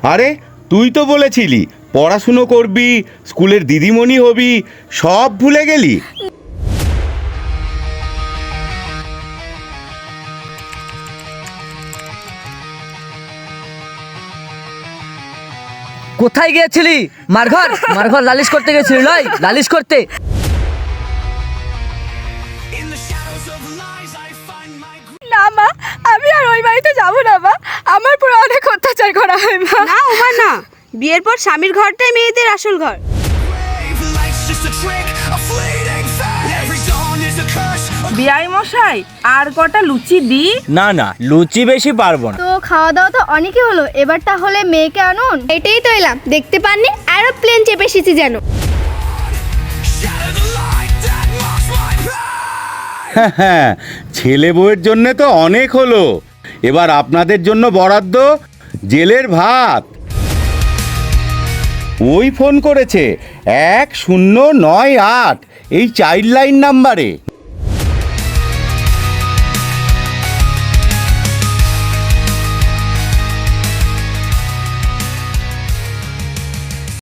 আরে তুই তো বলেছিলি পড়াশুনো করবি, স্কুলের দিদিমণি হবি, সব ভুলে গেলি? কোথায় গিয়েছিলি? মারঘর মারঘর লালিশ করতে গেছিলি? নয় লালিশ করতে। না মা, আমি আর ওই বাড়িতে যাব না মা। আমার পুরো অনেক অত্যাচার করা হয় মা। না ওমা না, বিয়ের পর স্বামীর ঘরটাই মেয়েদের আসল ঘর। বিয়াই মশাই, আর কটা লুচি দি? না না, লুচি বেশি পারবো না। তো খাওয়া দাওয়া তো অনেকই হলো, এবার তাহলে মেয়েকে আনুন। এটাই তো এলাম, দেখতে পাননি এরোপ্লেন চেপে এসেছি যেন। হ্যাঁ, ছেলে বউয়ের জন্যে তো অনেক হলো, এবার আপনাদের জন্য বরাদ্দ জেলের ভাত। ওই ফোন করেছে 1098 এই চাইল্ড লাইন নাম্বারে।